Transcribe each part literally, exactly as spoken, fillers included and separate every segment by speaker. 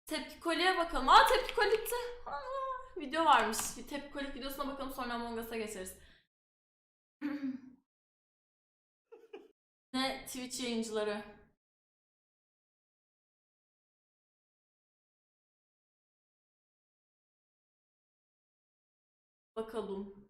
Speaker 1: Tepki Koli'ye bakalım. Aa Tepki Koli bitti. Aa, video varmış. Bir Tepki Koli videosuna bakalım sonra Among Us'a geçeriz. Ne Twitch yayıncıları. Bakalım.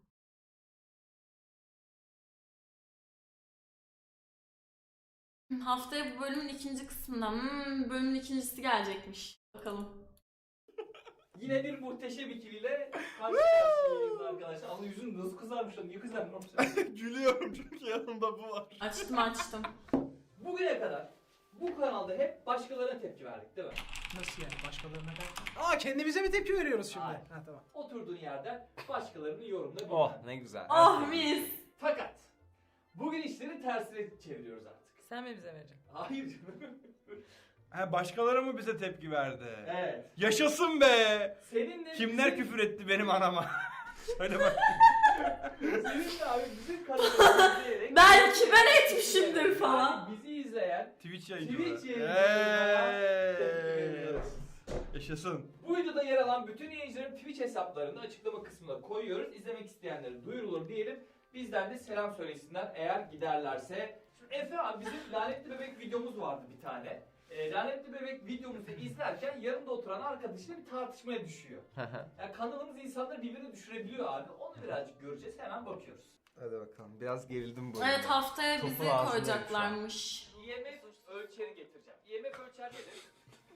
Speaker 1: Haftaya bu bölümün ikinci kısmından. Hmm, bölümün ikincisi gelecekmiş. Bakalım.
Speaker 2: Yine bir muhteşem ikiliyle karşı karşıyayız arkadaşlar. Ama yüzün nasıl kızarmış lan? Niye kızarmış?
Speaker 3: Gülüyorum çünkü yanımda bu var.
Speaker 1: Açtım açtım.
Speaker 2: Bugüne kadar bu kanalda hep başkalarına tepki verdik değil mi?
Speaker 4: Nasıl yani başkalarına ben? Aa kendimize mi tepki veriyoruz şimdi?
Speaker 2: Hayır.
Speaker 4: Ha tamam.
Speaker 2: Oturduğun yerden başkalarının yorumunu bilmem.
Speaker 3: Oh ne güzel.
Speaker 1: Oh mis.
Speaker 2: Fakat bugün işleri tersine çeviriyoruz artık.
Speaker 5: Sen mi bize vereceksin?
Speaker 2: Hayır canım.
Speaker 3: Ha, başkaları mı bize tepki verdi?
Speaker 2: Evet.
Speaker 3: Yaşasın be!
Speaker 2: Senin de
Speaker 3: Kimler
Speaker 2: bizim-
Speaker 3: küfür etti benim anama? Söyle bak.
Speaker 2: Senin de abi bizim kanalımızı izleyerek...
Speaker 1: Belki ben etmişimdir falan.
Speaker 2: Yani bizi izleyen
Speaker 3: Twitch yayıncı.
Speaker 2: Twitch yayıncılarına tepki
Speaker 3: Eee.
Speaker 2: veriyoruz.
Speaker 3: Yaşasın.
Speaker 2: Bu videoda yer alan bütün yayıncıların Twitch hesaplarını açıklama kısmına koyuyoruz. İzlemek isteyenlere duyurulur diyelim. Bizden de selam söylesinler eğer giderlerse. Şimdi Efe abi bizim lanetli bebek videomuz vardı bir tane. E, lanetli bebek videomuzu izlerken yanında oturan arkadaşıyla bir tartışmaya düşüyor. Yani kanalımız insanları birbirine düşürebiliyor abi. Onu birazcık göreceğiz. Hemen bakıyoruz.
Speaker 6: Hadi bakalım. Biraz gerildim bu
Speaker 1: Evet
Speaker 6: arada.
Speaker 1: haftaya
Speaker 6: Topu
Speaker 1: bizi
Speaker 6: ağzındayım
Speaker 1: koyacaklarmış.
Speaker 2: I M F ölçeri getireceğim. I M F ölçer nedir?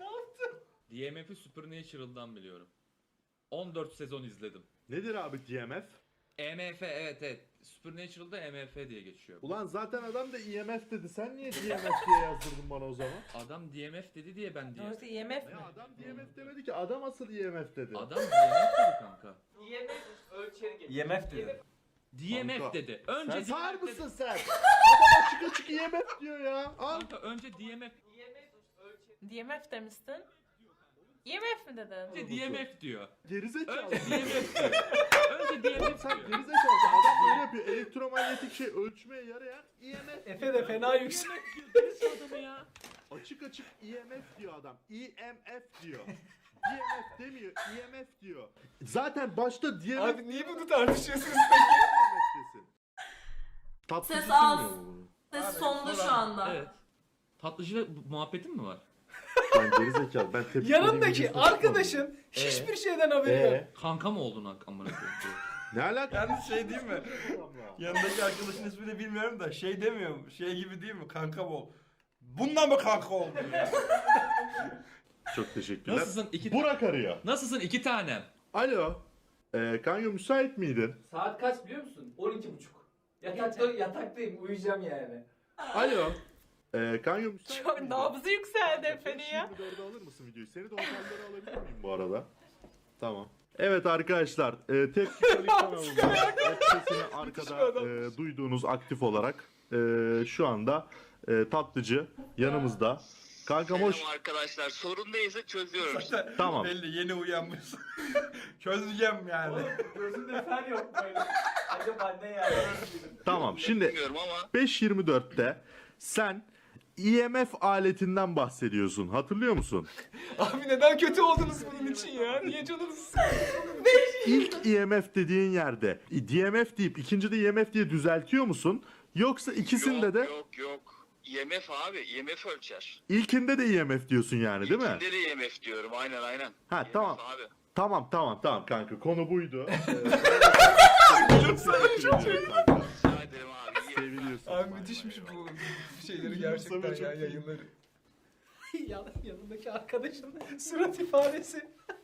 Speaker 7: D M F'i Supernatural'dan biliyorum. on dört sezon izledim.
Speaker 8: Nedir abi D M F?
Speaker 7: E M F evet evet. Supernatural'da E M F diye geçiyor.
Speaker 8: Ulan zaten adam da E M F dedi. Sen niye D M F diye yazdırdın bana o zaman?
Speaker 7: Adam D M F dedi diye ben D M
Speaker 5: Doğrusu
Speaker 7: F.
Speaker 5: I M F mi?
Speaker 8: Ya adam D M F demedi ki. Adam asıl E M F dedi.
Speaker 7: Adam D M F dedi kanka.
Speaker 2: I M F ölçeri getireceğim.
Speaker 3: I M F dedi.
Speaker 7: D M F
Speaker 8: Kanka,
Speaker 7: dedi. Önce
Speaker 8: Sen sağır
Speaker 7: D M F
Speaker 8: mısın
Speaker 7: dedi.
Speaker 8: sen? Adam açık açık E M F diyor ya. Al.
Speaker 7: Kanka önce D M F.
Speaker 2: I M F ölçeri...
Speaker 5: D M F demiştin. I M F mi dedin?
Speaker 7: Önce D M F diyor.
Speaker 8: Gerizekalı.
Speaker 7: Önce D M F diyor. Önce D M
Speaker 8: Oğlum
Speaker 7: F
Speaker 8: sen
Speaker 7: diyor.
Speaker 8: gerizekalı. Adam böyle yapıyor. Elektromanyetik şey ölçmeye yarayan E M F.
Speaker 4: Efe de fena yüksek.
Speaker 7: Deniz adamı ya.
Speaker 8: Açık açık E M F diyor adam. E M F diyor. D M F demiyor. E M F diyor. Zaten başta D M F
Speaker 4: Abi niye bunu tartışıyorsunuz?
Speaker 8: Tatlıcı
Speaker 1: Ses az.
Speaker 8: bilmiyor mu bunu?
Speaker 1: Ses sonda şu anda.
Speaker 7: Evet. Tatlıcı muhabbetin mi var?
Speaker 8: Ben gerizekalı. Ben tepki
Speaker 4: Yanındaki arkadaşın
Speaker 7: Ee?
Speaker 4: hiçbir şeyden haberi yok.
Speaker 8: Eee?
Speaker 7: Kanka mı oldun amına koyayım?
Speaker 8: Ne alaka?
Speaker 3: Yalnız şey değil mi? Yanındaki arkadaşın ismini bilmiyorum da şey demiyor mu? Şey gibi değil mi? Kanka ol. Bundan mı kanka oldu?
Speaker 8: Çok teşekkürler.
Speaker 7: Nasılsın iki
Speaker 8: Burak arıyor.
Speaker 7: Nasılsın iki tanem?
Speaker 8: Alo. Ee, kanka müsait miydin?
Speaker 2: Saat kaç biliyor musun? on iki buçuk. Yatakta, yataktayım uyuyacağım yani.
Speaker 8: Alo. Ee, kanka müsait
Speaker 5: Çok
Speaker 8: miydin?
Speaker 5: nabzı yükseldi Efe'nin ya.
Speaker 8: yirmi dörde alır mısın videoyu? Seni de otellere alabilir miyim bu arada? Tamam. Evet arkadaşlar, e, Tepki Koli kanalında web sitesini arkada e, duyduğunuz aktif olarak e, şu anda e, tatlıcı yanımızda. Kankam hoş.
Speaker 9: Selam arkadaşlar. Sorun neyse çözüyorum.
Speaker 3: Zaten
Speaker 8: Tamam.
Speaker 3: belli yeni uyanmışsın. Çözeceğim yani.
Speaker 2: Oğlum gözümde fer yok böyle. Acaba ne yani?
Speaker 8: Tamam. Şimdi
Speaker 9: Bilmiyorum ama
Speaker 8: beş yirmi dörtte sen E M F aletinden bahsediyorsun. Hatırlıyor musun?
Speaker 4: Abi neden kötü oldunuz bunun için ya? Niye canınız sıkıldı?
Speaker 8: İlk E M F dediğin yerde D M F deyip ikinci de E M F diye düzeltiyor musun? Yoksa ikisinde
Speaker 9: yok,
Speaker 8: de
Speaker 9: yok yok. E M F abi. E M F ölçer.
Speaker 8: ilkinde de E M F diyorsun yani değil mi?
Speaker 9: İlkinde de E M F diyorum. Aynen aynen.
Speaker 8: Ha
Speaker 9: E M F
Speaker 8: tamam.
Speaker 9: abi.
Speaker 8: Tamam tamam tamam kanka konu buydu.
Speaker 9: Rica ederim abi. iyi
Speaker 8: Seviliyorsun.
Speaker 4: Abi müthişmiş bu şeyleri gerçekten ya yayınları. Yan, yanındaki arkadaşın surat ifadesi.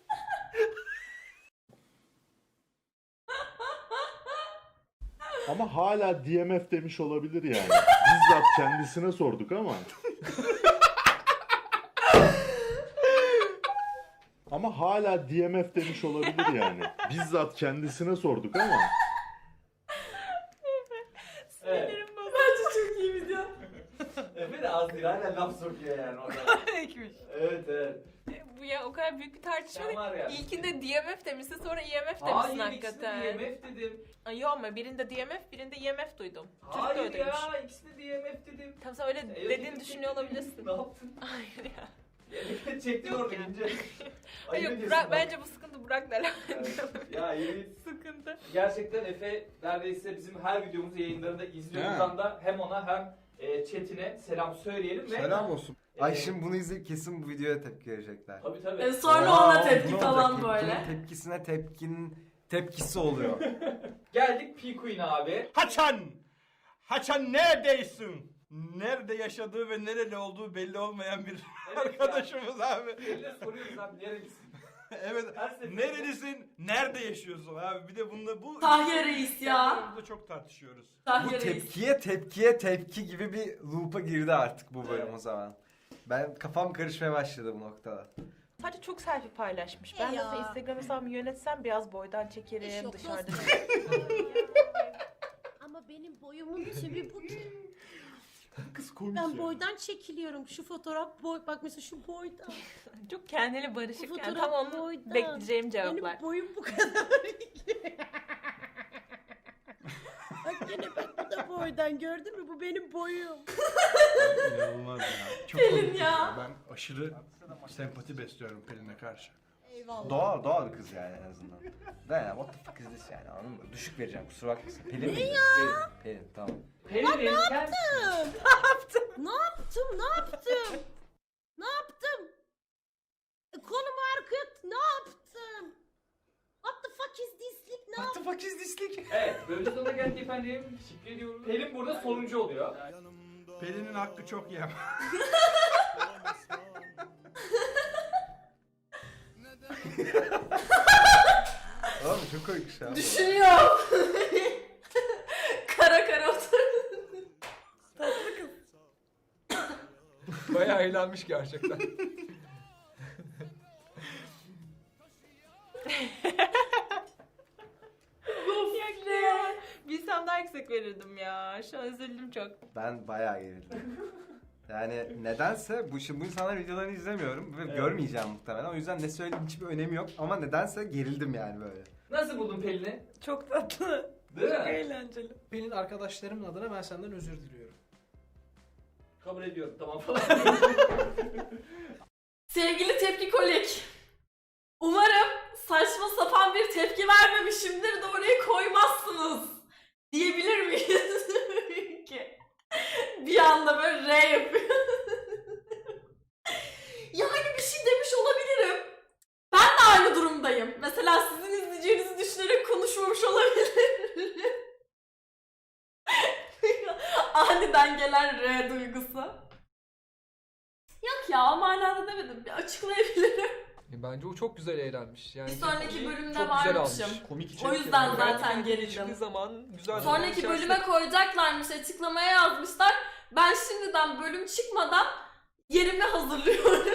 Speaker 8: Ama hala D M F demiş olabilir yani. Bizzat kendisine sorduk ama. Ama hala D M F demiş olabilir yani. Bizzat kendisine sorduk ama.
Speaker 2: Evet.
Speaker 5: Sinirim bozuldu.
Speaker 1: Bence çok iyi video.
Speaker 2: Efe de az değil. Hala laf sokuyor yani o kadar.
Speaker 5: Ekmiş.
Speaker 2: Evet evet.
Speaker 5: Bu ya o kadar büyük bir tartışma
Speaker 2: Sen var ya.
Speaker 5: değil. İlkinde D M F demişsin sonra E M F demişsin
Speaker 2: Hayır ikisinde
Speaker 5: hakikaten.
Speaker 2: D M F dedim.
Speaker 5: Ay yok ama birinde D M F birinde E M F duydum. Çocuk da
Speaker 2: Hayır
Speaker 5: öyleymiş.
Speaker 2: ya ikisinde D M F dedim.
Speaker 5: Tam sen öyle
Speaker 2: E,
Speaker 5: dediğini
Speaker 2: dedim,
Speaker 5: düşünüyor
Speaker 2: dedim.
Speaker 5: olabilirsin.
Speaker 2: Ne yaptın?
Speaker 5: Hayır ya.
Speaker 2: Çektin orada ince. Ayıp
Speaker 5: Yok
Speaker 2: ediyorsun
Speaker 5: Burak,
Speaker 2: bak.
Speaker 5: bence bu sıkıntı Burak'la alakalı.
Speaker 2: Ya yemin
Speaker 5: Sıkıntı.
Speaker 2: gerçekten Efe neredeyse bizim her videomuzu yayınlarında izliyor.
Speaker 3: He.
Speaker 2: Buradan da hem ona hem e, chatine selam söyleyelim ve
Speaker 3: Selam olsun.
Speaker 2: e,
Speaker 6: Ay şimdi bunu izleyip kesin bu videoya tepki verecekler.
Speaker 2: Tabii tabii.
Speaker 1: E, sonra
Speaker 6: Aa,
Speaker 1: ona
Speaker 6: bu
Speaker 1: tepki
Speaker 6: ne
Speaker 1: falan
Speaker 6: olacak?
Speaker 1: böyle.
Speaker 6: Tepkinin tepkisine tepkinin tepkisi oluyor.
Speaker 2: Geldik P Queen abi.
Speaker 3: Haçan! Haçan neredeysin? Nerede yaşadığı ve nereli olduğu belli olmayan bir
Speaker 2: Evet
Speaker 3: arkadaşımız abi.
Speaker 2: ya. Eline soruyoruz abi nerelisin?
Speaker 3: Evet.
Speaker 2: Her seferinde-
Speaker 3: Nerelisin? Nerede yaşıyorsun abi? Bir de bunda bu
Speaker 1: Tahya Reis ya.
Speaker 3: Burada çok tartışıyoruz.
Speaker 6: Bu
Speaker 1: Tahya Reis.
Speaker 6: tepkiye tepkiye tepki gibi bir loop'a girdi artık bu bölüm o zaman. Ben kafam karışmaya başladı bu noktada.
Speaker 5: Sadece çok selfie paylaşmış. Ben
Speaker 10: E ya.
Speaker 5: nasıl Instagram hesabımı yönetsem biraz boydan
Speaker 10: İş
Speaker 5: çekerim
Speaker 10: yok,
Speaker 5: dışarıda.
Speaker 10: Ama benim boyumun tümü bu ki.
Speaker 8: Kız komik
Speaker 10: Ben
Speaker 8: ya.
Speaker 10: boydan çekiliyorum. Şu fotoğraf boy. Bak mesela şu boydan.
Speaker 5: Çok kendiyle
Speaker 10: Bu
Speaker 5: barışık yani
Speaker 10: fotoğraf
Speaker 5: tam onun
Speaker 10: boydan.
Speaker 5: bekleyeceğim cevaplar.
Speaker 10: Benim boyum bu kadar. Bak yine bak bu da boydan gördün mü? Bu benim boyum.
Speaker 3: İnanılmaz ya. Çok
Speaker 1: Pelin
Speaker 3: komik
Speaker 1: ya.
Speaker 3: Ben aşırı sempati besliyorum Pelin'e karşı.
Speaker 10: Eyvallah.
Speaker 6: Doğal doğal bir kız yani en azından. Ben ya what the fuck is this yani anladın mı? Düşük vereceğim kusura bakmasın. Pelin ne ya? Pelin, Pelin tamam.
Speaker 2: Pelin
Speaker 10: Ne yaptım? Ne yaptım? Ne yaptım? Ne yaptım? E, Kolumu arkaya ne yaptım? What the fuck is this? Ne
Speaker 4: What the fuck is this like?
Speaker 2: Evet, bölümün sonuna geldik efendim. Teşekkür ediyorum. Pelin burada sonuncu oluyor.
Speaker 3: Pelin'in hakkı çok yem.
Speaker 6: Oğlum çok komik şey abi.
Speaker 1: Düşünüyorum. Kara kara otur.
Speaker 4: Bayağı eğlenmiş gerçekten.
Speaker 5: Ya, bilsem daha yüksek verirdim ya. Şu an üzüldüm çok.
Speaker 6: Ben bayağı gerildim. Yani nedense bu şimdi bu insanların videolarını izlemiyorum ve
Speaker 2: Evet.
Speaker 6: görmeyeceğim muhtemelen. O yüzden ne söylediğim hiçbir önemi yok ama nedense gerildim yani böyle.
Speaker 2: Nasıl buldun Pelin'i?
Speaker 5: Çok tatlı.
Speaker 2: Değil
Speaker 5: Çok
Speaker 2: mi?
Speaker 5: eğlenceli.
Speaker 4: Benim arkadaşlarımın adına ben senden özür diliyorum.
Speaker 2: Kabul ediyorum tamam falan.
Speaker 1: Sevgili tepki kolik. Umarım saçma sapan bir tepki vermemişimdir de oraya koymazsınız. Diyebilir miyiz? Ki bir anda böyle R yapıyor. Yani bir şey demiş olabilirim. Ben de aynı durumdayım. Mesela sizin izleyeceğinizi düşünerek konuşmamış olabilirim. Aniden gelen R duygusu. Yok ya o manada demedim. Bir açıklayabilirim.
Speaker 4: Bence o çok güzel eğlenmiş. Yani
Speaker 1: Bir sonraki bölümde
Speaker 4: çok güzel
Speaker 1: varmışım.
Speaker 4: almış.
Speaker 8: Komik içerik.
Speaker 1: O yüzden
Speaker 8: yani.
Speaker 1: zaten
Speaker 4: Hiçbir
Speaker 1: gerildim.
Speaker 4: zaman güzel.
Speaker 1: Sonraki
Speaker 4: zaman
Speaker 1: bölüme koyacaklarmış, açıklamaya yazmışlar. Ben şimdiden bölüm çıkmadan yerimi hazırlıyorum.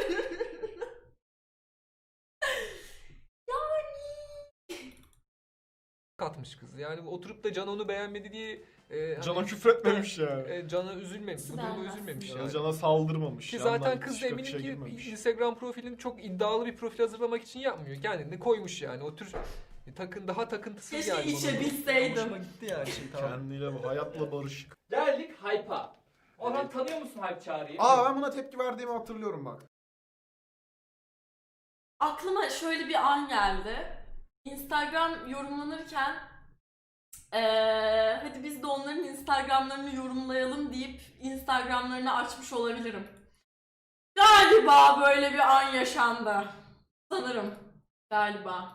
Speaker 4: katmış kız. Yani oturup da Can onu beğenmedi diye e, hani-
Speaker 11: Cana küfretmemiş ya.
Speaker 4: E, Can'a üzülmemiş. Bu duruma
Speaker 1: Beğenmez.
Speaker 4: üzülmemiş
Speaker 11: Yani
Speaker 4: yani.
Speaker 11: Cana saldırmamış.
Speaker 4: Ki
Speaker 11: yandan
Speaker 4: zaten kız da
Speaker 11: çıkıp
Speaker 4: eminim
Speaker 11: işe
Speaker 4: ki
Speaker 11: girmemiş.
Speaker 4: Instagram profilini çok iddialı bir profil hazırlamak için yapmıyor. Kendini koymuş yani. O tür takın daha takıntısız
Speaker 1: Keşke
Speaker 4: yani.
Speaker 1: içebilseydim.
Speaker 4: Hoşuma gitti yani şey tamam.
Speaker 11: Kendiyle hayatla barışık.
Speaker 2: Geldik Hype'a. Orhan tanıyor musun Hype Çağrı'yı?
Speaker 11: Aa ben buna tepki verdiğimi hatırlıyorum bak.
Speaker 1: Aklıma şöyle bir an geldi. Instagram yorumlanırken eee hadi biz de onların Instagramlarını yorumlayalım deyip Instagramlarını açmış olabilirim. Galiba böyle bir an yaşandı. Sanırım. Galiba.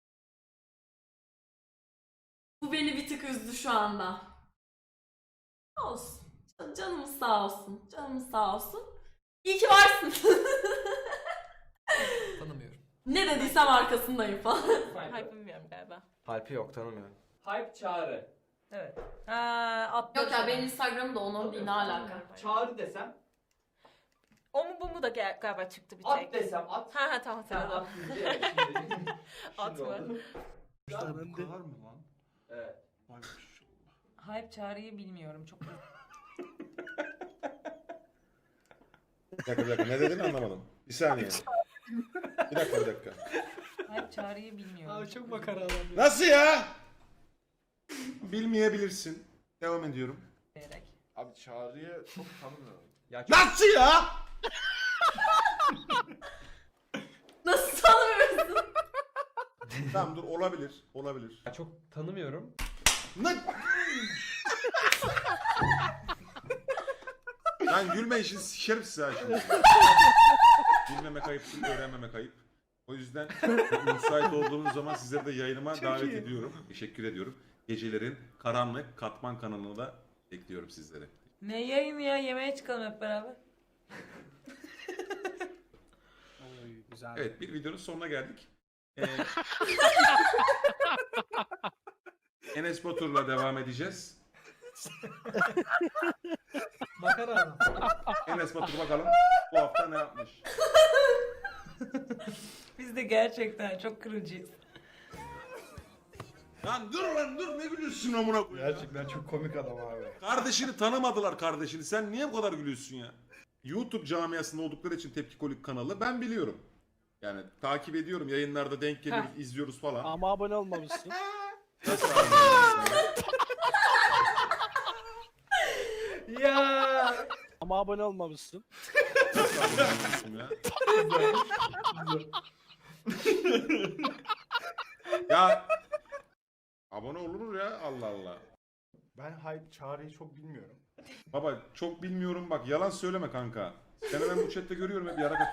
Speaker 1: Bu beni bir tık üzdü şu anda. Olsun. Can- Canımız sağ olsun. Canımız sağ olsun. İyi ki varsın.
Speaker 4: Tanımıyorum.
Speaker 1: Ne dediysem arkasındayım falan.
Speaker 5: Hayır bilmiyorum galiba.
Speaker 6: Alp'i yok tanımıyorum.
Speaker 2: Hype Çağrı.
Speaker 5: Evet. Ha, atları
Speaker 1: Yok ya
Speaker 5: sana.
Speaker 1: benim Instagram'da onun değil ne alaka.
Speaker 2: Çağrı desem,
Speaker 5: O mu bu mu da gel- galiba çıktı bir
Speaker 2: at
Speaker 5: tek.
Speaker 2: desem at.
Speaker 5: Ha ha tamam
Speaker 2: Sen
Speaker 5: tamam.
Speaker 2: at deyince evet, şimdi, şimdi
Speaker 5: At mı?
Speaker 2: oldu.
Speaker 3: Bu kadar mı lan?
Speaker 2: Evet.
Speaker 3: Vay maşallah.
Speaker 5: Hype Çağrı'yı bilmiyorum çok.
Speaker 8: Bir dakika bir dakika ne dedin anlamadım. Bir saniye. Bir dakika bir dakika.
Speaker 5: Hype Çağrı'yı bilmiyorum.
Speaker 4: Abi çok makara adam. ya.
Speaker 8: Nasıl ya? Bilmeyebilirsin. Devam ediyorum.
Speaker 5: Diyerek.
Speaker 11: Abi Çağrı'yı çok tanımıyorum.
Speaker 8: Nasıl ya?
Speaker 3: Tamam dur olabilir. Olabilir.
Speaker 6: Çok tanımıyorum.
Speaker 3: Ne? Lan gülme işin sikerim size ha şimdi. Bilmemek ayıp, öğrenmemek ayıp. O yüzden müsait olduğunuz zaman sizleri de yayınıma
Speaker 4: Çok
Speaker 3: davet
Speaker 4: iyi.
Speaker 3: ediyorum. Teşekkür ediyorum. Gecelerin karanlık katman kanalına da bekliyorum sizleri.
Speaker 5: Ne yayını ya? Yemeğe çıkalım hep beraber.
Speaker 4: Oy, güzel.
Speaker 3: Evet bir videonun sonuna geldik. Ee, Enes Batur'la devam edeceğiz.
Speaker 4: Makara adam.
Speaker 3: Enes Batur bakalım bu hafta ne yapmış?
Speaker 5: Biz de gerçekten çok kırıcıyız.
Speaker 3: Lan dur lan dur ne gülüyorsun amına koyayım?
Speaker 11: Gerçekten çok komik adam abi.
Speaker 3: Kardeşini tanımadılar kardeşini. Sen niye bu kadar gülüyorsun ya? YouTube camiasında oldukları için Tepki Kolik kanalı ben biliyorum. Yani takip ediyorum. Yayınlarda denk geliyoruz, izliyoruz falan.
Speaker 12: Ama abone olmamışsın.
Speaker 3: Nasıl anlıyorsun ya?
Speaker 4: Ya.
Speaker 12: Ama abone olmamışsın.
Speaker 3: Nasıl anlıyorsun ya? Ya abone olunur ya Allah Allah.
Speaker 11: Ben hype Çağrı'yı çok bilmiyorum.
Speaker 3: Baba çok bilmiyorum bak yalan söyleme kanka. Seni ben bu chatte görüyorum hep yarak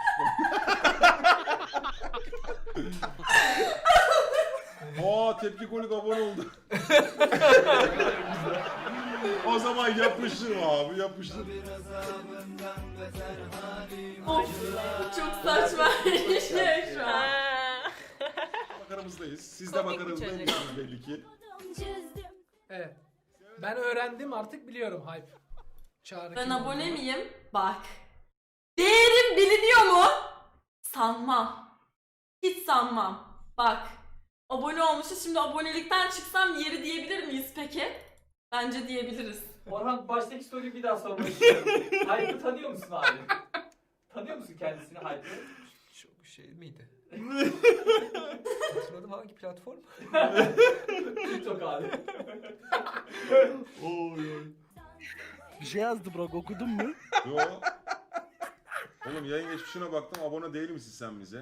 Speaker 3: atıştım. Aa Tepki Kolik abone oldu. O zaman yapıştır abi yapıştır.
Speaker 1: Of çok saçma bir şey şu an.
Speaker 3: Makaramızdayız. Siz de
Speaker 5: Komik bir
Speaker 3: makaranızdaymışsınız belli ki.
Speaker 4: Evet. Ben öğrendim artık biliyorum hype. Çağrı
Speaker 1: Ben
Speaker 4: kim
Speaker 1: abone
Speaker 4: olduğunu.
Speaker 1: miyim? Bak. Değerim biliniyor mu? Sanmam. Hiç sanmam. Bak. Abone olmuşuz. Şimdi abonelikten çıksam yeri diyebilir miyiz peki? Bence diyebiliriz.
Speaker 2: Orhan baştaki soruyu bir daha sormak istiyorum. Hype'ı tanıyor musun abi? Tanıyor musun kendisini Hype'ı?
Speaker 4: Çok şey miydi? Hatırladım hangi platform?
Speaker 2: TikTok abi.
Speaker 11: Oy oy.
Speaker 12: Bir şey yazdı Burak, okudun mu?
Speaker 3: Yo. Oğlum yayın geçmişine baktım abone değil misin sen bize?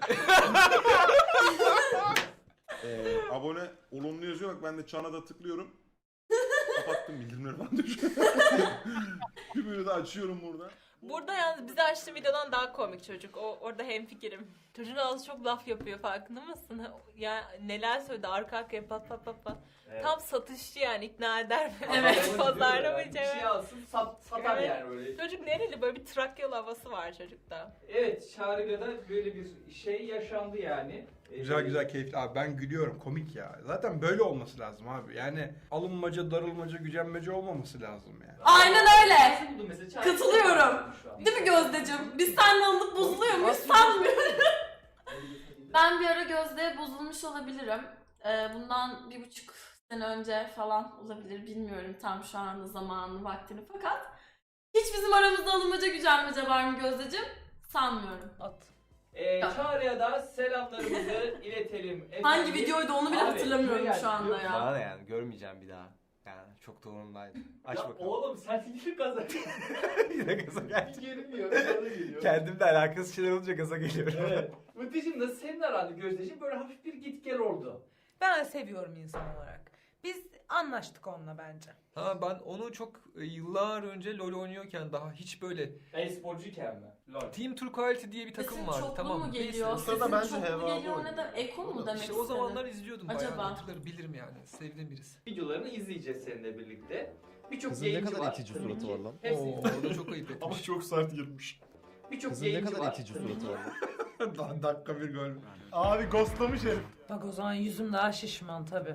Speaker 3: ee, abone olumlu yazıyor bak ben de çana da tıklıyorum. Kapattım bildirimleri falan düşüyor. Tümünü de açıyorum burada.
Speaker 5: Burada yalnız bize açtığı videodan daha komik çocuk. O orada hemfikirim. Çocuğun ağzı çok laf yapıyor farkında mısın? Ya neler söyledi arka arkaya pat pat pat pat.
Speaker 2: Evet.
Speaker 5: Tam satışçı yani ikna eder.
Speaker 1: Evet.
Speaker 5: Pazarlamacı.
Speaker 2: Bir şey alsın sat, satar
Speaker 5: Evet.
Speaker 2: yani öyle.
Speaker 5: Çocuk nereli böyle bir Trakyalı havası var çocukta.
Speaker 2: Evet Çağrı'yla da böyle bir şey yaşandı yani.
Speaker 3: Güzel güzel keyifli abi ben gülüyorum komik ya. Zaten böyle olması lazım abi. Yani alınmaca, darılmaca, gücenmece olmaması lazım yani.
Speaker 1: Aynen öyle.
Speaker 2: Nasıl buldun mesela? Çağrı-
Speaker 1: Katılıyorum.
Speaker 2: Şu an.
Speaker 1: Değil mi Gözdeciğim? Biz seninle alıp bozuluyor muyuz sanmıyorum. Ben bir ara Gözde'ye bozulmuş olabilirim. Ee, bundan bir buçuk sene önce falan olabilir. Bilmiyorum tam şu anda zamanını, vaktini fakat hiç bizim aramızda alınmaca gücenmece var mı Gözdeciğim? Sanmıyorum.
Speaker 5: At.
Speaker 2: Ee, Çağrı'ya da selamlarımızı iletelim. Efendim.
Speaker 1: Hangi videoydu onu bile
Speaker 2: Abi,
Speaker 1: hatırlamıyorum
Speaker 2: şuraya
Speaker 1: şu
Speaker 2: gel,
Speaker 1: anda
Speaker 2: biliyor
Speaker 1: ya.
Speaker 6: Bana da yani görmeyeceğim bir daha. Yani çok da umurumdaydı. Aç
Speaker 2: Ya
Speaker 6: bakalım.
Speaker 2: oğlum sen niye gaza
Speaker 6: Yine gaza geldim.
Speaker 2: gelmiyor? Gaza geliyor.
Speaker 6: Kendimle alakası şeyler olunca gaza geliyorum.
Speaker 2: Evet. Mıtıcım da senin aranda Gözdeciğim böyle hafif bir git gel oldu.
Speaker 13: Ben seviyorum insan olarak. Biz anlaştık onunla bence.
Speaker 4: Ha ben onu çok e, yıllar önce LoL oynuyorken daha hiç böyle
Speaker 2: E-sporcuyken mi? Lol.
Speaker 4: Team Turquoise diye bir takım
Speaker 1: Sesin
Speaker 4: vardı
Speaker 1: çoklu
Speaker 4: tamam
Speaker 1: mu
Speaker 4: mı?
Speaker 1: geliyor?
Speaker 4: Neyse.
Speaker 11: Sırada
Speaker 1: Sesin
Speaker 11: bence
Speaker 1: çoklu
Speaker 11: Heva
Speaker 1: geliyor
Speaker 11: oynuyor.
Speaker 1: ne de eko mu demek
Speaker 4: İşte
Speaker 1: istedin?
Speaker 4: o zamanlar izliyordum bayağı
Speaker 1: Acaba?
Speaker 4: hatırlarım bilirim yani. Sevdiğim birisi.
Speaker 2: Videolarını izleyeceğiz seninle birlikte. Birçok
Speaker 14: Kızın ne
Speaker 2: yayıncı
Speaker 14: kadar
Speaker 2: var.
Speaker 14: itici
Speaker 2: Tabii
Speaker 14: suratı
Speaker 2: ki.
Speaker 14: var lan.
Speaker 2: Hepsi.
Speaker 4: Oo, orada çok ayıp etmiş.
Speaker 11: Ama çok sert girmiş.
Speaker 2: Birçok
Speaker 14: Kızın ne
Speaker 2: yayıncı
Speaker 14: kadar
Speaker 2: var.
Speaker 14: itici
Speaker 2: Tabii
Speaker 14: suratı
Speaker 2: ki.
Speaker 14: var lan.
Speaker 3: Daha dakika bir gol.
Speaker 11: Abi ghostlamış herif.
Speaker 13: Bak o zaman yüzüm daha şişman tabi.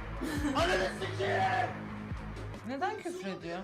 Speaker 13: Neden küfür ediyor?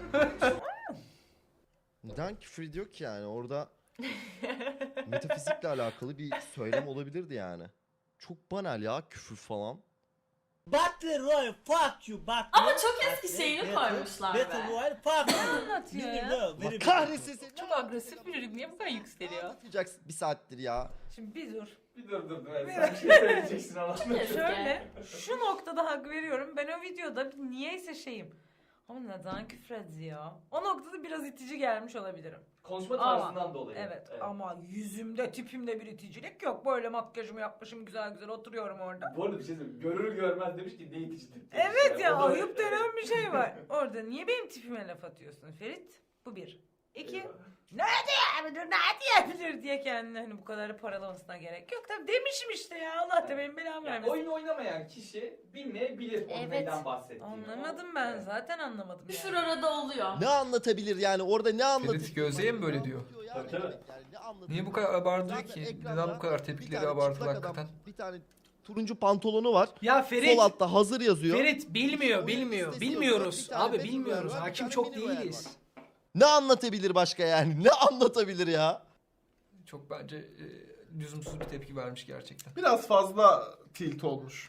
Speaker 14: Neden küfür ediyor ki yani orada metafizikle alakalı bir söylem olabilirdi yani. Çok banal ya küfür falan.
Speaker 12: Battle Royale fuck you Battle.
Speaker 1: Ama çok eski şeyini koymuşlar be.
Speaker 12: Battle Royale fuck
Speaker 13: Ne
Speaker 12: you.
Speaker 13: anlatıyor ya?
Speaker 14: Allah kahretsin seni.
Speaker 5: Çok agresif bir çocuk. Niye bu kadar yükseliyor?
Speaker 14: Anlatacaksın bir saattir ya.
Speaker 13: Şimdi bir dur.
Speaker 2: Bir dur dur dur. Sen bir şey söyleyeceksin ama.
Speaker 13: Şöyle şu noktada hak veriyorum. Ben o videoda niyeyse şeyim. Ama neden küfrediyor? O noktada biraz itici gelmiş olabilirim.
Speaker 2: Konuşma
Speaker 13: Ama-
Speaker 2: tarzından dolayı.
Speaker 13: Evet, ama yüzümde tipimde bir iticilik yok. Böyle makyajımı yapmışım güzel güzel oturuyorum orada.
Speaker 2: Bu arada bir şey söyleyeyim. Görür görmez demiş ki ne iticidir.
Speaker 13: Evet ya
Speaker 2: O da-
Speaker 13: ayıp denen bir şey var. Orada niye benim tipime laf atıyorsun Ferit? Bu bir. İki.
Speaker 2: Eyvallah.
Speaker 13: Ne diyebilir, ne diyebilir diye kendini hani bu kadar paralamasına gerek yok. Tabii demişim işte ya Allah da benim belamı
Speaker 2: Yani
Speaker 13: vermesin.
Speaker 2: oyun oynamayan kişi bilmeyebilir onun
Speaker 13: Evet.
Speaker 2: neyden bahsettiğini.
Speaker 13: Anlamadım ben zaten anlamadım
Speaker 1: Küfür
Speaker 13: yani.
Speaker 1: arada oluyor.
Speaker 14: Ne anlatabilir yani orada ne anlatabilir?
Speaker 4: Ferit Gözde'ye mi böyle diyor?
Speaker 2: Tabii, tabii.
Speaker 14: Yani ne anlatabilir?
Speaker 4: Niye bu kadar abartıyor
Speaker 14: Zaten
Speaker 4: ki?
Speaker 14: ekranda
Speaker 4: Neden bu kadar
Speaker 14: bir
Speaker 4: tepkileri
Speaker 14: tane
Speaker 4: abartılı
Speaker 14: çıplak adam,
Speaker 4: hakikaten?
Speaker 14: Bir tane turuncu pantolonu var.
Speaker 4: Ya
Speaker 14: Sol altta hazır yazıyor.
Speaker 4: Ferit bilmiyor,
Speaker 14: Oyun
Speaker 4: bilmiyor.
Speaker 14: listesi
Speaker 4: Bilmiyoruz.
Speaker 14: yazıyor. Bir tane
Speaker 4: Abi
Speaker 14: Battle
Speaker 4: bilmiyoruz.
Speaker 14: Royale var, bir
Speaker 4: Hakim
Speaker 14: tane
Speaker 4: çok
Speaker 14: Mini Royale
Speaker 4: değiliz.
Speaker 14: var. Ne anlatabilir başka yani? Ne anlatabilir ya?
Speaker 4: Çok bence e, lüzumsuz bir tepki vermiş gerçekten.
Speaker 11: Biraz fazla tilt olmuş.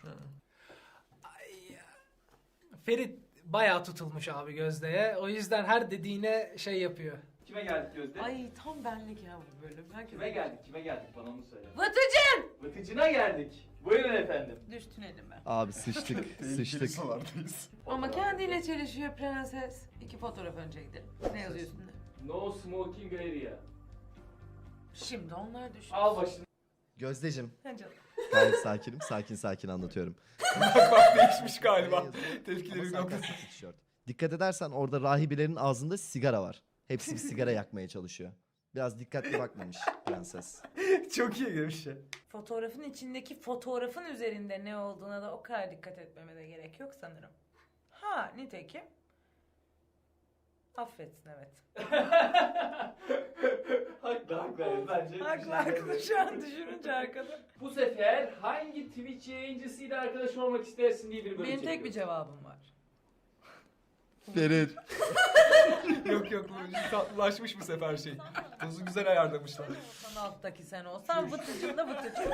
Speaker 4: Ferit bayağı tutulmuş abi Gözde'ye. O yüzden her dediğine şey yapıyor.
Speaker 2: Kime geldik Gözde?
Speaker 13: Ay tam benlik ya bu bölüm. Herkes
Speaker 2: Kime geldik? Kime geldik? Bana onu söyle.
Speaker 13: Vıtıcın!
Speaker 2: Vıtıcına geldik. Buyurun efendim.
Speaker 13: Düştün elime.
Speaker 14: Abi sıçtık, sıçtık.
Speaker 13: Ama kendiyle çelişiyor prenses. İki fotoğraf önce gidelim. Ne yazıyor üstünde?
Speaker 2: No smoking area.
Speaker 13: Şimdi onlar düşün.
Speaker 2: Al başını.
Speaker 14: Gözdeciğim,
Speaker 13: Ha canım.
Speaker 14: gayet sakinim, sakin sakin anlatıyorum.
Speaker 4: Bak bak değişmiş galiba.
Speaker 14: Ama
Speaker 4: Tepkileri
Speaker 14: sarkastik
Speaker 4: noktası.
Speaker 14: bir tişört. Dikkat edersen orada rahibelerin ağzında sigara var. Hepsi bir sigara yakmaya çalışıyor. Biraz dikkatli bakmamış prenses.
Speaker 4: Çok iyi bir şey.
Speaker 13: Fotoğrafın içindeki fotoğrafın üzerinde ne olduğuna da o kadar dikkat etmeme de gerek yok sanırım. Ha nitekim. Affetsin evet.
Speaker 2: Haklı haklı evet, bence.
Speaker 13: Haklı haklı şu an düşününce arkada.
Speaker 2: Bu sefer hangi Twitch yayıncısıyla arkadaş olmak istersin diye bir bölüm
Speaker 13: Benim tek bir
Speaker 2: çekiyoruz.
Speaker 13: cevabım var.
Speaker 14: Ferit.
Speaker 4: Yok yok bu tatlılaşmış bu sefer şey. Tozu güzel ayarlamışlar.
Speaker 13: Sen alttaki sen olsan vıtıcın da vıtıcın.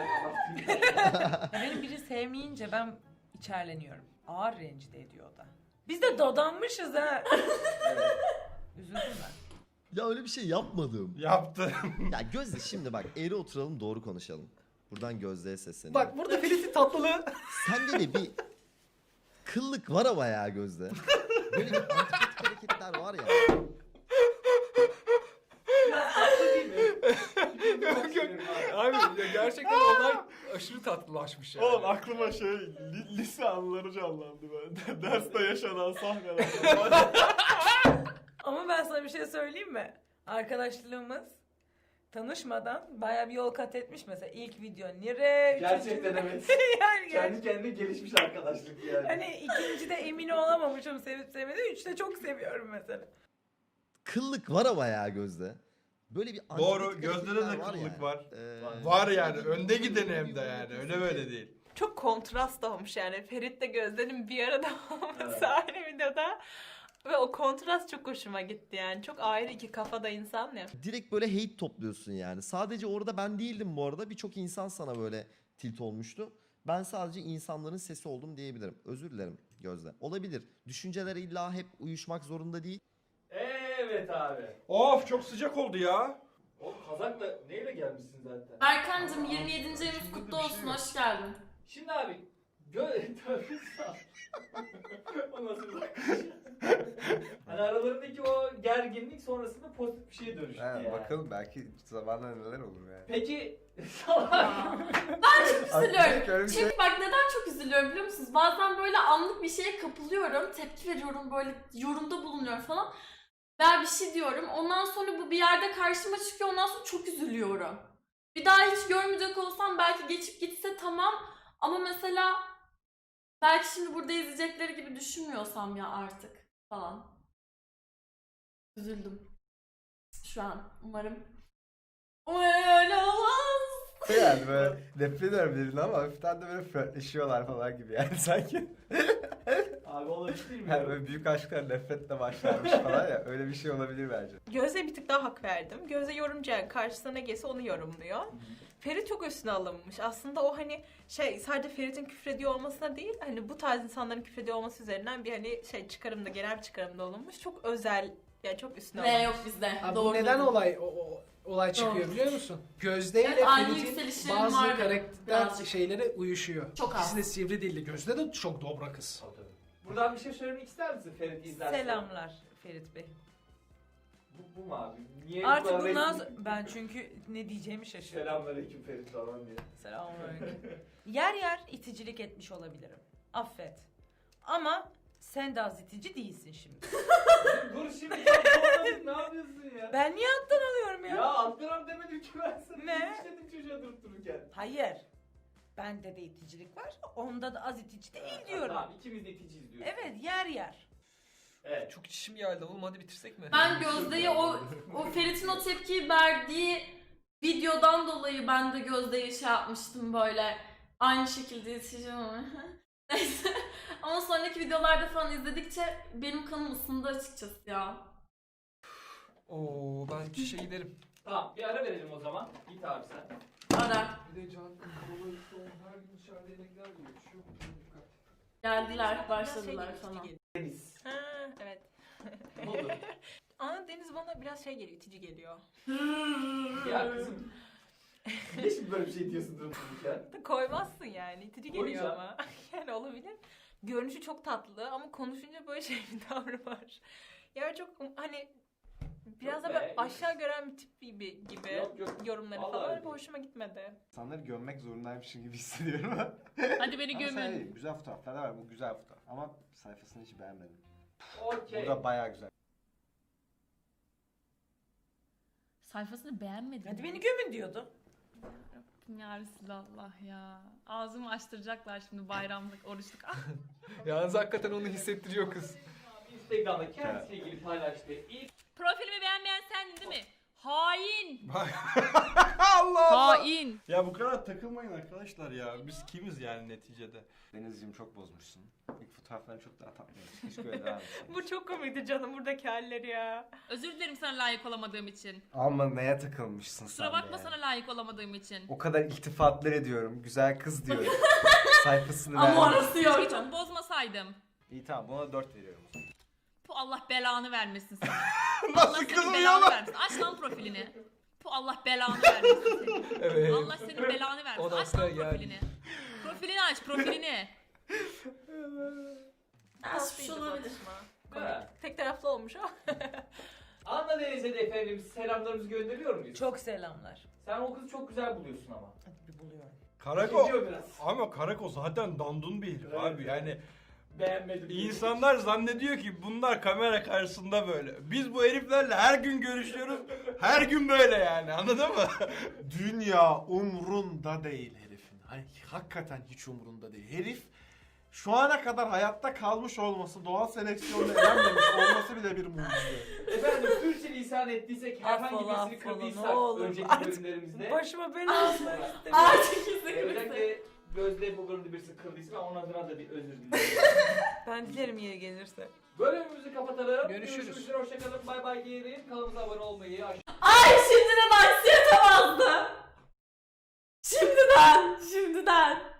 Speaker 13: Benim biri sevmeyince ben içerleniyorum. Ağır rencide ediyor o da. Biz de dadanmışız ha. Üzüldüm ben.
Speaker 14: Ya öyle bir şey yapmadım.
Speaker 11: Yaptı.
Speaker 14: Ya Gözde şimdi bak eğri oturalım doğru konuşalım. Buradan Gözde'ye sesleniyorum.
Speaker 4: Bak burada Ferit'in tatlılığı.
Speaker 14: Sende de bir kıllık var ama ya Gözde. Böyle bir antipatik hareketler var ya.
Speaker 4: Yok yok. Abi ya gerçekten olay aşırı tatlılaşmış yani.
Speaker 11: Oğlum aklıma şey li- lise anıları canlandı ben. Derste yaşanan sahneler.
Speaker 13: Ama ben sana bir şey söyleyeyim mi? Arkadaşlığımız tanışmadan bayağı bir yol kat etmiş mesela. İlk video nire,
Speaker 2: Gerçekten
Speaker 13: üçüncü-
Speaker 2: evet.
Speaker 13: yani
Speaker 2: Kendi kendine gelişmiş arkadaşlık yani.
Speaker 13: hani ikincide emin olamamışım sevip sevmediğim. Üçte çok seviyorum mesela.
Speaker 14: Kıllık var ama ya Gözde. Böyle bir antipatik
Speaker 11: Doğru, Gözde'de de
Speaker 14: hareketler
Speaker 11: kıllık
Speaker 14: yani.
Speaker 11: var.
Speaker 14: Ee,
Speaker 11: Var yani önde gideni hem de yani öyle böyle değil.
Speaker 5: Çok kontrast olmuş yani. Ferit de Gözde'nin bir arada olması
Speaker 2: Evet.
Speaker 5: ayrı videoda. Ve o kontrast çok hoşuma gitti yani. Çok ayrı iki kafada insan ya.
Speaker 14: Direkt böyle hate topluyorsun yani. Sadece orada ben değildim bu arada. Birçok insan sana böyle tilt olmuştu. Ben sadece insanların sesi oldum diyebilirim. Özür dilerim Gözde. Olabilir. Düşünceler illa hep uyuşmak zorunda değil.
Speaker 2: Evet abi.
Speaker 11: Of çok sıcak oldu ya.
Speaker 2: Oğlum kazakla neyle gelmişsin zaten?
Speaker 1: Berkancığım yirmi yedinci ayımız kutlu olsun. Hoş geldin.
Speaker 2: Şimdi abi gö... Tövbe sağ. O nasıl bir bakış? Hani aralarındaki o gerginlik sonrasında pozitif bir şeye dönüştü
Speaker 6: Ha,
Speaker 2: yani.
Speaker 6: bakalım belki zamanla neler olur yani.
Speaker 2: Peki
Speaker 1: Ben çok
Speaker 6: Aklımda öyle
Speaker 1: üzülüyorum.
Speaker 6: bir
Speaker 1: Çünkü
Speaker 6: şey-
Speaker 1: bak neden çok üzülüyorum biliyor musunuz? Bazen böyle anlık bir şeye kapılıyorum. Tepki veriyorum böyle yorumda bulunuyorum falan. Veya bir şey diyorum. Ondan sonra bu bir yerde karşıma çıkıyor. Ondan sonra çok üzülüyorum. Bir daha hiç görmeyecek olsam belki geçip gitse tamam. Ama mesela belki şimdi burada izleyecekleri gibi düşünmüyorsam ya artık falan. Üzüldüm. Şu an umarım. Umarım öyle olmaz.
Speaker 6: Yani böyle nefret ediyorum birini ama hafiften de böyle flörtleşiyorlar falan gibi yani sanki.
Speaker 2: abi olabilir mi?
Speaker 6: Yani böyle büyük aşklar nefretle başlarmış falan ya öyle bir şey olabilir bence.
Speaker 5: Gözde'ye bir tık daha hak verdim. Gözde yorumcu yani karşısına ne gelse onu yorumluyor. Ferit çok üstüne alınmış. Aslında o hani şey sadece Ferit'in küfrediyor olmasına değil hani bu tarz insanların küfrediyor olması üzerinden bir hani şey çıkarımda genel bir çıkarımda olunmuş. Çok özel yani çok üstüne
Speaker 1: Ve
Speaker 5: alınmış.
Speaker 1: yok bizde.
Speaker 4: Abi
Speaker 1: Doğru.
Speaker 4: bu neden
Speaker 1: dedin.
Speaker 4: olay o, o- olay çıkıyor
Speaker 1: Doğru.
Speaker 4: biliyor musun? Gözde ile
Speaker 1: Evet, aynı
Speaker 4: Ferit'in
Speaker 1: yükselişlerim
Speaker 4: bazı
Speaker 1: var benim,
Speaker 4: karakter
Speaker 1: birazcık.
Speaker 4: şeylere uyuşuyor.
Speaker 1: Çok az.
Speaker 4: İkisi de sivri dilli. Gözde de çok dobra kız.
Speaker 2: Buradan bir şey söylemek ister misin Ferit izlersen?
Speaker 13: Selamlar Ferit Bey.
Speaker 2: Bu, bu mu abi? Niye
Speaker 13: Artık
Speaker 2: bu
Speaker 13: bundan
Speaker 2: resmi-
Speaker 13: sonra ben çünkü ne diyeceğimi şaşırdım.
Speaker 2: Selamünaleyküm Ferit falan diye.
Speaker 13: Selamünaleyküm. Yer yer iticilik etmiş olabilirim. Affet. Ama sen de az itici değilsin şimdi.
Speaker 2: Dur şimdi ya kovaladık, ne yapıyorsun ya?
Speaker 13: Ben niye alttan alıyorum ya?
Speaker 2: Ya alttan demedim ki ben sana.
Speaker 13: Ne?
Speaker 2: Hiç dedim çocuğa durup dururken.
Speaker 13: Hayır. Bende de iticilik var. Onda da az itici değil diyorum.
Speaker 2: Tamam ikimiz de iticiyiz diyorsun.
Speaker 13: Evet yer yer.
Speaker 2: Evet.
Speaker 4: Çok çişim geldi oğlum, hadi bitirsek mi?
Speaker 1: Ben Gözde'ye o o Ferit'in o tepkiyi verdiği videodan dolayı ben de Gözde'ye şey yapmıştım böyle. Aynı şekilde yetişeceğim ama. Neyse. Ama sonraki videolarda falan izledikçe benim kanım ısındı açıkçası ya.
Speaker 4: Oo ben çişe giderim.
Speaker 2: Tamam bir ara verelim o zaman. Git abi sen.
Speaker 1: Ara.
Speaker 4: Bir de can kola son her gün dışarıda yemekler yiyor. Şu dikkat.
Speaker 1: Geldiler, başladılar falan.
Speaker 2: Deniz.
Speaker 5: Ha, evet.
Speaker 2: Ne oldu?
Speaker 5: Ama Deniz bana biraz şey geliyor, itici geliyor.
Speaker 2: Ya kızım. Niye şimdi böyle bir şey diyorsun durup dururken?
Speaker 5: Koymazsın yani, itici geliyor
Speaker 2: Koyacağım.
Speaker 5: ama. Yani olabilir. Görünüşü çok tatlı ama konuşunca böyle şey bir tavrı var. Yani çok hani biraz
Speaker 2: Yok
Speaker 5: da
Speaker 2: be,
Speaker 5: böyle
Speaker 2: yok.
Speaker 5: aşağı gören bir tip gibi, gibi
Speaker 2: Yok, yok.
Speaker 5: yorumları
Speaker 2: Vallahi
Speaker 5: falan
Speaker 2: öyle
Speaker 5: öyle hoşuma gitmedi.
Speaker 6: İnsanları gömmek zorundaymışım gibi hissediyorum.
Speaker 1: Hadi beni
Speaker 6: Ama şey
Speaker 1: gömün.
Speaker 6: değil, güzel fotoğraflar da var. Bu güzel fotoğraf. Ama sayfasını hiç beğenmedim.
Speaker 2: Okey.
Speaker 6: Bu da bayağı güzel.
Speaker 1: Sayfasını beğenmedim.
Speaker 13: Hadi beni gömün diyordu.
Speaker 1: Ya Resulallah ya. Ağzımı açtıracaklar şimdi bayramlık, oruçluk. Ah.
Speaker 4: Yalnız hakikaten onu hissettiriyor kız.
Speaker 2: Instagram'da kendisiyle ilgili paylaştığı ilk
Speaker 1: Profilimi beğenmeyen sendin değil mi? Hain.
Speaker 11: Allah Allah.
Speaker 1: Hain.
Speaker 11: Ya bu kadar takılmayın arkadaşlar ya. Biz kimiz yani neticede?
Speaker 6: Denizciğim çok bozmuşsun. İlk fotoğraflarını çok daha tatlıymış. Keşke öyle devam etseydin.
Speaker 5: Bu çok komikti canım buradaki halleri ya.
Speaker 1: Özür dilerim sana layık olamadığım için.
Speaker 6: Ama neye takılmışsın sen
Speaker 1: Kusura
Speaker 6: de
Speaker 1: bakma
Speaker 6: yani.
Speaker 1: sana layık olamadığım için.
Speaker 6: O kadar iltifatlar ediyorum. Güzel kız diyorum. Sayfasını
Speaker 1: Ama
Speaker 6: beğendim.
Speaker 1: orası yok. Hiç çok bozmasaydım.
Speaker 6: İyi tamam buna dört veriyorum.
Speaker 1: Bu Allah belanı vermesin sana.
Speaker 11: Nasıl
Speaker 1: Allah senin
Speaker 11: kızım
Speaker 1: belanı
Speaker 11: ya?
Speaker 1: vermesin. Aç lan profilini. Bu Allah belanı vermesin senin.
Speaker 4: Evet.
Speaker 1: Allah senin belanı
Speaker 4: O
Speaker 1: vermesin.
Speaker 4: da
Speaker 1: Aç
Speaker 4: sıra
Speaker 1: lan
Speaker 4: geldi.
Speaker 1: profilini. Profilini aç profilini.
Speaker 5: Tatlıydı
Speaker 1: olabilir.
Speaker 5: bakışma.
Speaker 2: Ha.
Speaker 5: Komik. Tek taraflı olmuş o.
Speaker 2: Anla Deniz'e de efendim selamlarımızı gönderiyor muyuz?
Speaker 13: Çok selamlar.
Speaker 2: Sen o kızı çok güzel buluyorsun ama.
Speaker 13: Hadi bir buluyorum.
Speaker 11: Karako.
Speaker 2: Gidiyor biraz.
Speaker 11: Ama Karako zaten dandun bir herif
Speaker 2: Evet.
Speaker 11: abi yani.
Speaker 2: Beğenmedim.
Speaker 11: İnsanlar zannediyor ki bunlar kamera karşısında böyle. Biz bu heriflerle her gün görüşüyoruz. Her gün böyle yani, anladın mı?
Speaker 15: Dünya umrunda değil herifin. Hani hakikaten hiç umrunda değil. Herif şu ana kadar hayatta kalmış olması, doğal seleksiyonla elenmemiş olması bile bir mucize.
Speaker 2: Efendim sürçülisan ettiysek, herhangi
Speaker 13: Affola,
Speaker 2: birisini
Speaker 13: affola,
Speaker 2: kırdıysak
Speaker 13: ne olur.
Speaker 2: önceki
Speaker 13: Artık
Speaker 2: bölümlerimizde.
Speaker 13: Başıma bela almak istemiyorum.
Speaker 1: Artık yüzü
Speaker 2: Özellikle Gözde bu bölümde birisi kırdıysa ben onun adına da bir özür dilerim.
Speaker 13: Ben dilerim yeri gelirse.
Speaker 2: Bölümümüzü kapatalım.
Speaker 4: Görüşürüz.
Speaker 2: Görüşürüz. Hoşçakalın. Bay bay diyelim. Kanalımıza abone olmayı,
Speaker 1: Ay şimdiden anksiyete bastı. Şimdiden. Şimdiden.